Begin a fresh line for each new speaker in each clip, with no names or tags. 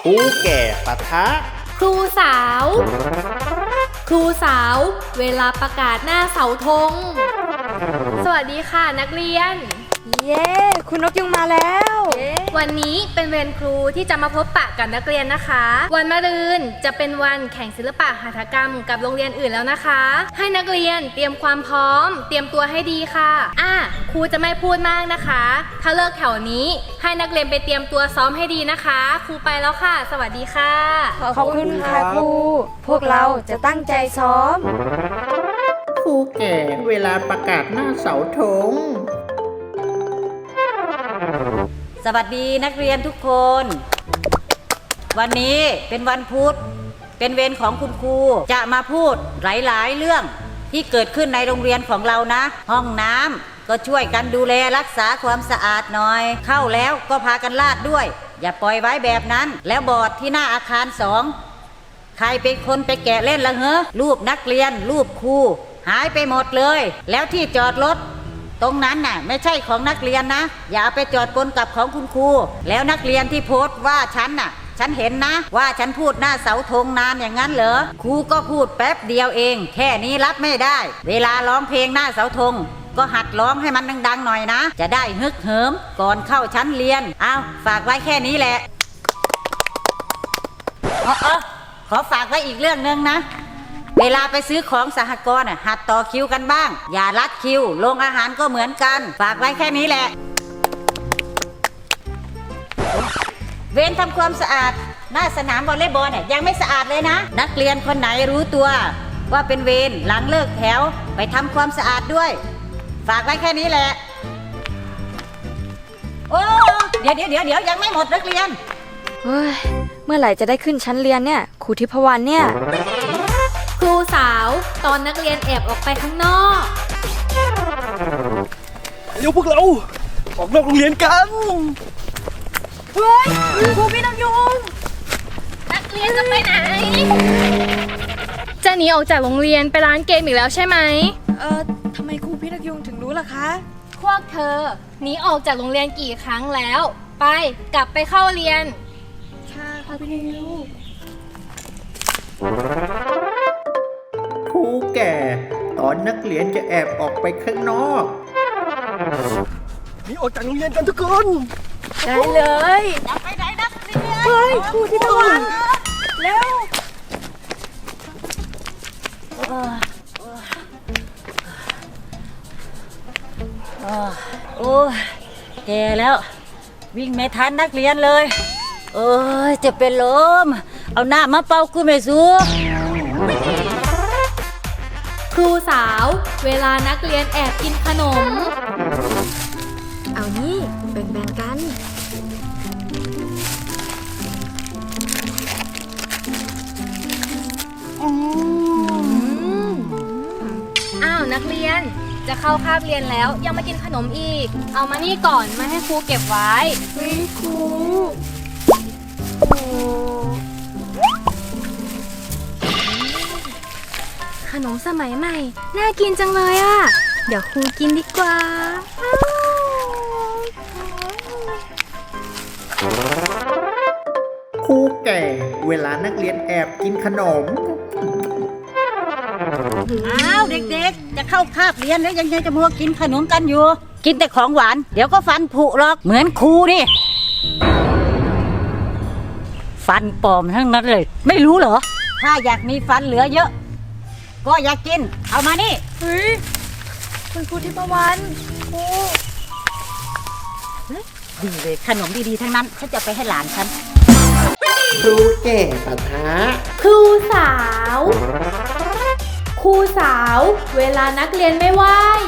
ครูแก่ปะทะ
ครูสาว ครูสาว เวลาประกาศหน้าเสาธง สวัสดีค่ะนักเรียน
เย้คุณนกยุงมาแล้ว
วันนี้เป็นเวรครูที่จะมาพบปะกับนักเรียนนะคะ วันมะรืนจะเป็นวันแข่งศิลปะหัตถกรรมกับโรงเรียนอื่นแล้วนะคะ ให้นักเรียนเตรียมความพร้อม เตรียมตัวให้ดีค่ะครูจะไม่พูดมากนะคะ ถ้าเลิกแถวนี้ให้นักเรียนไปเตรียมตัวซ้อมให้ดีนะคะครูไปแล้วค่ะ สวัสดีค่ะ
ขอบคุณค่ะครูพวกเราจะตั้งใจซ้อม
ครูแก่เวลาประกาศหน้าเสาธง
สวัสดีนักเรียนทุกคน วันนี้เป็นวันพุธเป็นเวรของคุณครูจะมาพูดหลายๆเรื่องที่เกิดขึ้นในโรงเรียนของเรานะห้องน้ำก็ช่วยกันดูแลรักษาความสะอาดหน่อยเข้าแล้วก็พากันลาดด้วยอย่าปล่อยไว้แบบนั้นแล้วบอร์ดที่หน้าอาคาร2ใครเป็นคนไปแกะเล่นละเหรอรูปนักเรียนรูปครูหายไปหมดเลยแล้วที่จอดรถตรงนั้นน่ะไม่ใช่ของนักเรียนนะอย่าไปจอดปนกับของคุณครูแล้วนักเรียนที่โพสต์ว่าฉันเห็นนะว่าฉันพูดหน้าเสาธงนานอย่างนั้นเหรอครูก็พูดแป๊บเดียวเองแค่นี้รับไม่ได้เวลาร้องเพลงหน้าเสาธงก็หัดร้องให้มันดังๆหน่อยนะจะได้ฮึกเหิมก่อนเข้าชั้นเรียนฝากไว้แค่นี้แหละขอฝากไว้อีกเรื่องนึงนะเวลาไปซื้อของสหกรณ์หัดต่อคิวกันบ้างอย่าลัดคิวโรงอาหารก็เหมือนกันฝากไว้แค่นี้แหละเวรทำความสะอาดหน้าสนามวอลเลย์บอลยังไม่สะอาดเลยนะนักเรียนคนไหนรู้ตัวว่าเป็นเวรหลังเลิกแถวไปทำความสะอาดด้วยฝากไว้แค่นี้แหละโอ้เดี๋ยวยังไม่หมดนักเรียน
เฮ้ยเมื่อไหร่จะได้ขึ้นชั้นเรียนเนี่ยครูทิพวรรณเนี่ย
ครูสาวตอนนักเรียนแอบออกไปข้างนอก
เร็วพวกเราออกนอกโรงเรียนกัน
เฮ้ยครูพี่น้ำยุง
นักเรียนจะไปไหนจะหนีออกจากโรงเรียนไปร้านเกมอีกแล้วใช่ไหม
ทำไมครูพี่น้ำยุงถึงรู้ล่ะคะ
พวกเธอหนีออกจากโรงเรียนกี่ครั้งแล้วไปกลับไปเข้าเรียน
ค่ะครูพี่น้ำยุง
ครูแก่ตอนนักเรียนจะแอบออกไปข้างนอก
หนีออกจากโรงเรียนกันทุกคน
ได้เลย
จะไปไหนนักเรียน
เฮ้ยครูทิพวรรณเร็ว
โอ้ยแก่แล้ววิ่งไม่ทันนักเรียนเลยจะเป็นลมเอาหน้ามาเป่ากูไม่สู้
ครูสาวเวลานักเรียนแอบกินขนม
เอานี่แบ่งกัน
นักเรียนจะเข้าคาบเรียนแล้วยังมากินขนมอีกเอามานี่ก่อนมาให้ครูเก็บไว้
ครู
ขนมสมัยใหม่น่ากินจังเลยอ่ะเดี๋ยวครูกินดีกว่า
ครูแก่เวลานักเรียนแอบกินขนม
เด็กๆจะเข้าคาบเรียนแล้วยังจะมัวกินขนมกันอยู่กินแต่ของหวานเดี๋ยวก็ฟันผุหรอกเหมือนครูนี่ฟันปลอมทั้งนั้นเลยไม่รู้เหรอถ้าอยากมีฟันเหลือเยอะก็อยากกินเอามานี่
เฮ้ยคุณครูทิพวรรณครู
ดีเลยขนมดีๆทั้งนั้นฉันจะไปให้หลานฉัน
ครูแก่ปะทะ
ครูสาวครูสาวเวลานักเรียนไม่ไหว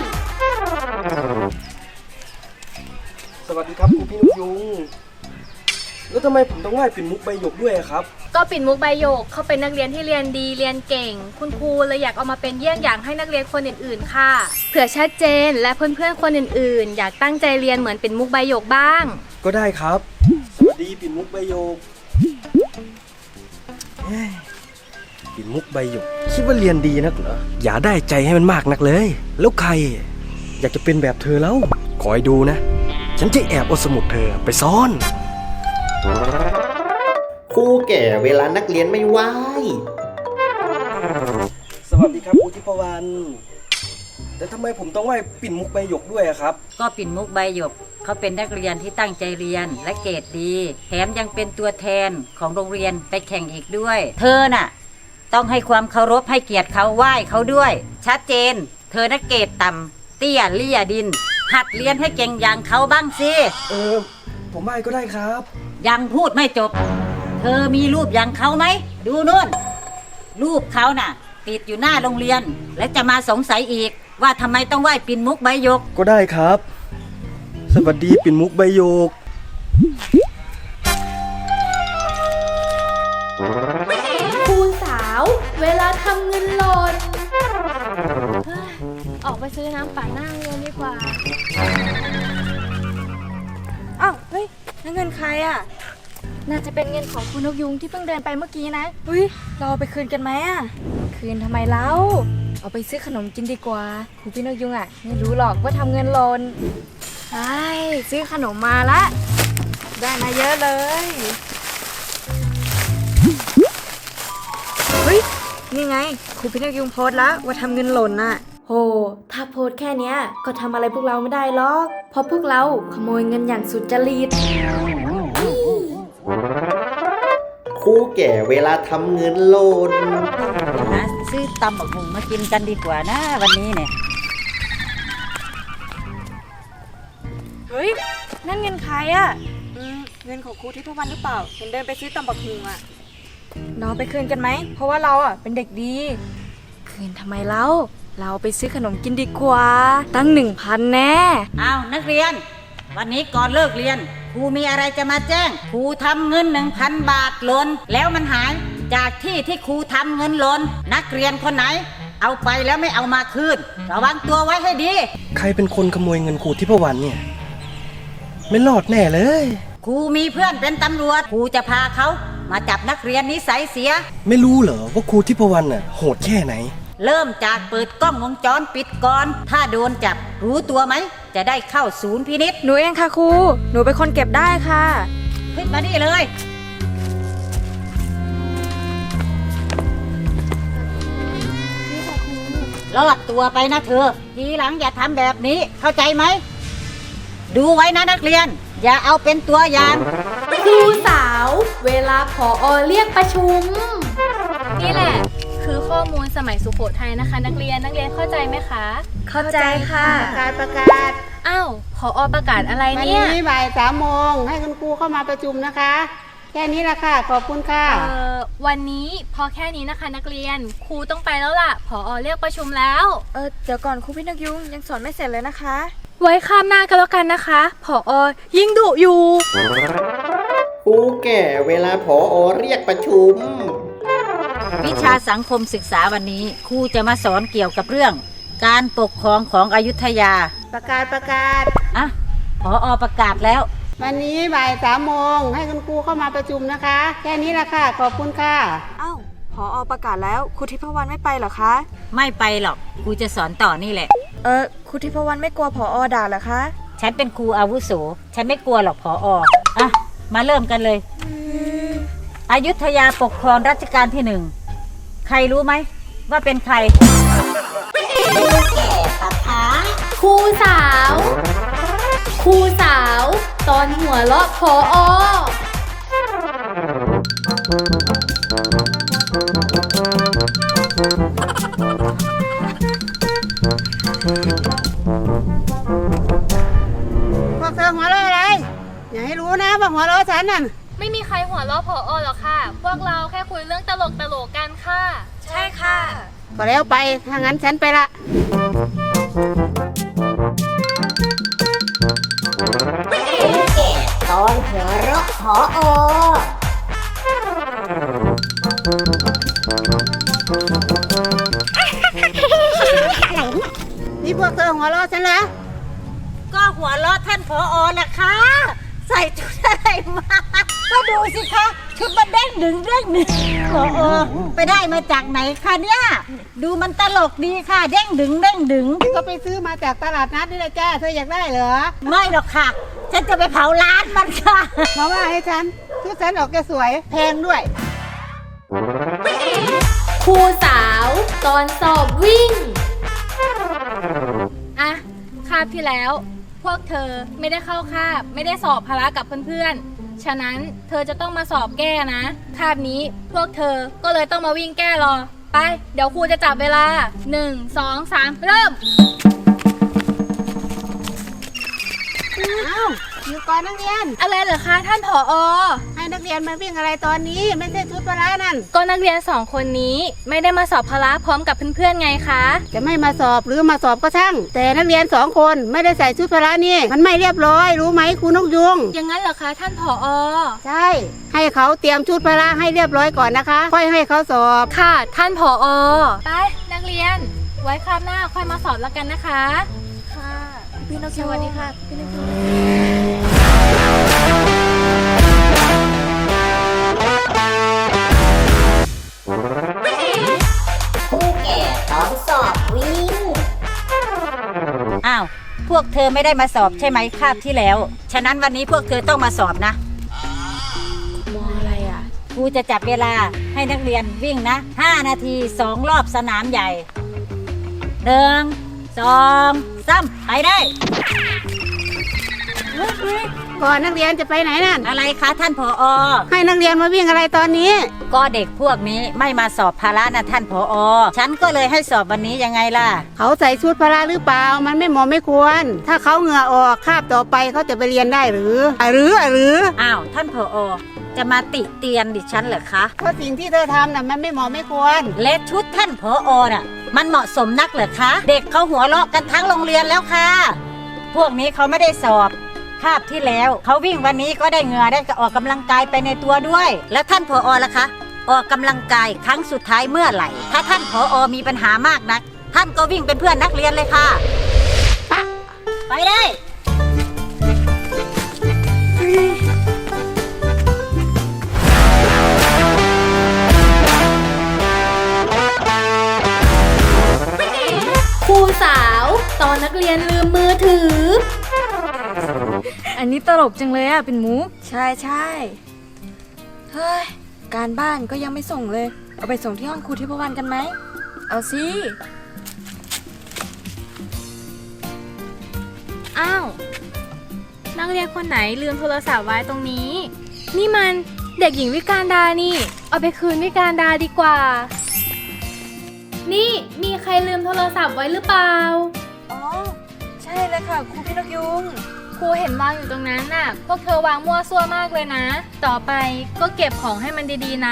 สวัสดีครับครูพี่นกยุงแล้วทำไมผมต้องไหว้ปิ่นมุกใบหยกด้วยครับ
ก็ปิ่นมุกใบหยกเขาเป็นนักเรียนที่เรียนดีเรียนเก่งคุณครูเลยอยากเอามาเป็นเยี่ยงอย่างให้นักเรียนคนอื่นๆค่ะเผื่อชัดเจนและเพื่อนๆคนอื่นๆอยากตั้งใจเรียนเหมือนปิ่นมุกใบหยกบ้าง
ก็ได้ครับสวัสดีปิ่นมุกใบหยกปิ่นมุกใบหยกคิดว่าเรียนดีนักเหรออย่าได้ใจให้มันมากนักเลยแล้วใครอยากจะเป็นแบบเธอแล้วคอยดูนะฉันจะแอบเอาสมุดเธอไปซ่อน
คครูแก่เวลานักเรียนไม่ไหว
สวัสดีครับครูทิพวรรณแต่ทำไมผมต้องไหว้ปิ่นมุกใบหยกด้วยอะครับ
ก็ปิ่นมุกใบหยกเขาเป็นนักเรียนที่ตั้งใจเรียนและเกรดดี แถมยังเป็นตัวแทนของโรงเรียนไปแข่งอีกด้วย เธอน่ะ ต้องให้ความเคารพให้เกียรติเขาไหว้เขาด้วย ชัดเจน เธอนักเกรดต่ำเตี้ยเลี่ยดิน หัดเรียนให้เก่งอย่างเขาบ้างสิ
ผมไหว้ก็ได้ครับ
ยังพูดไม่จบ เธอมีรูปอย่างเขาไหม ดูนู่น รูปเขาน่ะ ติดอยู่หน้าโรงเรียน และจะมาสงสัยอีกว่าทำไมต้องไหว้ปิ่นมุกใบหยก
ก็ได้ครับ สวัสดีปิ่นมุกใบหยก
ครูสาว เวลาทำเงินหล่นเฮ้ยออกไปซื้อน้ำปั่นหน้าโรงเรียนดีกว่า
อ้าว เฮ้ยนั่นเงินใครอ่ะ น่าจะเป็นเงินของคุณนกยุงที่เพิ่งเดินไปเมื่อกี้นะเฮ้ย เราเอาไปคืนกันไหมอ่ะ คืนทำไมเล่าเอาไปซื้อขนมกินดีกว่าครูพี่นกยุงอ่ะไม่รู้หรอกว่าทำเงินหล่นใช่ซื้อขนมมาละ ได้มาเยอะเลย เฮ้ย นี่ไงครูพี่นกยุงโพสต์แล้วว่าทำเงินหล่นน่ะโห ถ้าโพสต์แค่เนี้ยก็ทำอะไรพวกเราไม่ได้หรอก เพราะพวกเราขโมยเงินอย่างสุดจริต
ครูแก่เวลาทำเงินหล่น
หาซื้อตำบักหุ่งมากินกันดีกว่านะวันนี้เนี่ย
เฮ้ย นั่นเงินใครอ่ะเงินของครูทิพวรรณหรือเปล่า เห็นเดินไปซื้อตำบักหุ่งอ่ะน้องไปคืนกันไหม เพราะว่าเราอ่ะเป็นเด็กดี คืนทำไมเล่าเราไปซื้อขนมกินดีกว่า ตั้ง 1,000 แน่
อ้าวนักเรียน วันนี้ก่อนเลิกเรียนครูมีอะไรจะมาแจ้งครูทำเงิน 1,000 บาทหล่นแล้วมันหายจากที่ครูทำเงินหล่นนักเรียนคนไหน เอาไปแล้วไม่เอามาคืนระวังตัวไว้ให้ดี
ใครเป็นคนขโมยเงินครูทิพวรรณเนี่ย ไม่รอดแน่เลย
ครูมีเพื่อนเป็นตำรวจครูจะพาเขามาจับนักเรียนนิสัยเสีย
ไม่รู้เหรอว่าครูทิพวรรณน่ะโหดแค่ไหน
เริ่มจากเปิดกล้องวงจรปิดก่อนถ้าโดนจับรู้ตัวไหมจะได้เข้าศูนย์พินิษ
หนูเองค่ะครู หนูเป็นคนเก็บได้ค่ะ
ขึ้นมานี่เลยรอดตัวไปนะเธอ ทีหลังอย่าทำแบบนี้เข้าใจไหม ดูไว้นะนักเรียน อย่าเอาเป็นตัวอย่าง
ครูสาว เวลาผอเรียกประชุม นี่แหละ คือข้อมูลสมัยสุโขทัยนะคะ นักเรียนเข้าใจไหมคะ
เข้าใจค่ะ
ประกาศ
อ้าวผอประกาศอะไร
วัน
เนี่ย
นี้บ่าย3 โมงให้คุณครูเข้ามาประชุมนะคะ แค่นี้ละค่ะ ขอบคุณค่ะ
วันนี้พอแค่นี้นะคะ นักเรียนครูต้องไปแล้วล่ะผอเรียกประชุมแล้ว
เดี๋ยวก่อนครูพี่นกยุงยังสอนไม่เสร็จเลยนะคะ
ไว้ข้ามหน้ากันแล้วกันนะคะผอยิ่งดุอยู่
ครูแก่เวลาผอเรียกประชุม
วิชาสังคมศึกษาวันนี้ครูจะมาสอนเกี่ยวกับเรื่อง การปกครองของอยุธยา
ประกาศ
อ่ะผอประกาศแล้ว
วันนี้บ่าย3 โมงให้คุณครูเข้ามาประชุมนะคะ แค่นี้ละค่ะ ขอบคุณค่ะ
อ้าวผอประกาศแล้วครูทิพวรรณไม่ไปเหรอคะ
ไม่ไปหรอกครูจะสอนต่อนี่แหละ
ครูทิพวรรณไม่กลัวผอด่าเหรอคะ
ฉันเป็นครูอาวุโส ฉันไม่กลัวหรอกผออ่ะ มาเริ่มกันเลย อยุธยาปกครองรัชกาลที่ 1 ใครรู้ไหมว่าเป็นใคร
ครูสาว ครูสาว ตอนหัวเราะผอ
พวกเธอหัวเราะอะไร อย่าให้รู้นะว่าหัวเราะฉันน่ะ
ไม่มีใครหัวเราะผอหรอกค่ะ พวกเราแค่คุยเรื่องตลกกันค่ะ
ใช่ค่ะ
ก็แล้วไป ถ้างั้นฉันไปละ
ตอนหัวเราะผอ
นี่พวกเธอหัวเราะฉันเหรอ
ก็หัวเราะท่านผอแหละค่ะ ใส่ชุดอะไรมา ก็ดูสิคะชุดมันเด้งดึงผอไปได้มาจากไหนคะเนี่ย ดูมันตลกดีค่ะ เด้งดึง
ก็ไปซื้อมาจากตลาดนัดนี่แหละจ้า เธออยากได้เหรอ
ไม่หรอกค่ะ ฉันจะไปเผาร้านมันค่ะ
มาว่าให้ฉัน เธชุดฉันออกจะสวย แพงด้วย
ครูสาวตอนสอบวิ่ง อ่ะ คาบที่แล้ว พวกเธอไม่ได้เข้าคาบ ไม่ได้สอบพละกับเพื่อนๆ ฉะนั้นเธอจะต้องมาสอบแก้นะ คาบนี้พวกเธอก็เลยต้องมาวิ่งแก้รอ ไป เดี๋ยวครูจะจับเวลา 1 2 3 เริ่ม
อ้าวอยู่ก่อนนักเรียน
อะไรเหรอคะท่านผอ.
ให้นักเรียนมาวิ่งอะไรตอนนี้ ไม่ใช่ชุดพละนั่น
ก็นักเรียนสองคนนี้ไม่ได้มาสอบพละพร้อมกับเพื่อนๆไงคะ
จะไม่มาสอบหรือมาสอบก็ช่าง แต่นักเรียน2 คนไม่ได้ใส่ชุดพละนี่ มันไม่เรียบร้อย รู้ไหมครูนกยุง
อย่างนั้นเหรอคะท่านผอ.
ใช่ ให้เขาเตรียมชุดพละให้เรียบร้อยก่อนนะคะ ค่อยให้เขาสอบ
ค่ะท่านผอ.ไปนักเรียน ไว้คราวหน้าค่อยมาสอบแล้วกันนะคะ
ค่ะพี่นกยูงสวัสดีค่ะพี่นกยูง
อ้าว พวกเธอไม่ได้มาสอบใช่ไหมคาบที่แล้ว ฉะนั้นวันนี้พวกเธอต้องมาสอบนะ
มองอะไรอ่ะ
ครูจะจับเวลาให้นักเรียนวิ่งนะ 5 นาที 2 รอบสนามใหญ่ 1 2 3 ไปได้
ก่อนนักเรียนจะไปไหนนั่น
อะไรคะท่านผอ.
ให้นักเรียนมาวิ่งอะไรตอนนี้
ก็เด็กพวกนี้ไม่มาสอบพละนะท่านผอ.ฉันก็เลยให้สอบวันนี้ยังไงล่ะ
เขาใส่ชุดพละหรือเปล่า มันไม่เหมาะไม่ควร ถ้าเขาเหงื่อออกคาบต่อไปเขาจะไปเรียนได้หรือหรือ
อ้าวท่านผอ.จะมาติเตียนดิฉันเหรอคะ
เพราะสิ่งที่เธอทำน่ะมันไม่เหมาะไม่ควร
และชุดท่านผอ.น่ะ มันเหมาะสมนักเหรอคะ เด็กเขาหัวเราะกันทั้งโรงเรียนแล้วค่ะ พวกนี้เขาไม่ได้สอบคาบที่แล้วเขาวิ่งวันนี้ก็ได้เหงื่อได้ออกกำลังกายไปในตัวด้วย แล้วท่านผอ.ล่ะคะ ออกกำลังกายครั้งสุดท้ายเมื่อไหร่ ถ้าท่านผอ.มีปัญหามากนัก ท่านก็วิ่งเป็นเพื่อนนักเรียนเลยค่ะ ไปได้
ครูสาวตอนนักเรียนลืมมือถือ
อันนี้ตลกจังเลยอ่ะเป็นมุกใช่ใช่เฮ้ย การบ้านก็ยังไม่ส่งเลย เอาไปส่งที่ห้องครูที่พวันกันไหม เอาสิ
อ้าว นักเรียนคนไหนลืมโทรศัพท์ไว้ตรงนี้ นี่มันเด็กหญิงวิการดานี่ เอาไปคืนวิการดาดีกว่า นี่มีใครลืมโทรศัพท์ไว้หรือเปล่า
อ๋อ ใช่เลยค่ะครูพี่นกยุง
ครูเห็นวางอยู่ตรงนั้นน่ะ พวกเธอวางมั่วซั่วมากเลยนะ ต่อไปก็เก็บของให้มันดีๆนะ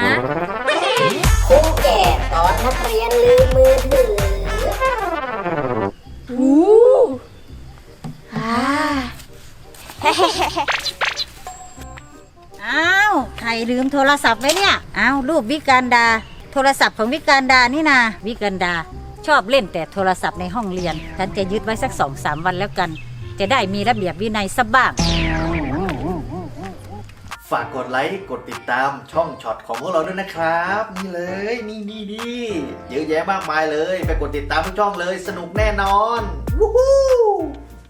อ้าว ใครลืมโทรศัพท์ไว้เนี่ย อ้าวรูปวิการดา โทรศัพท์ของวิการดานี่นาวิการดา ชอบเล่นแต่โทรศัพท์ในห้องเรียน ฉันจะยึดไว้สัก 2-3 วันแล้วกัน จะได้มีระเบียบวินัยสักบ้าง
ฝากกดไลค์ กดติดตามช่องช็อตของพวกเราด้วยนะครับ นี่เลยนี่เยอะแยะมากมายเลย ไปกดติดตามทุกช่องเลย สนุกแน่นอน วู้ฮู้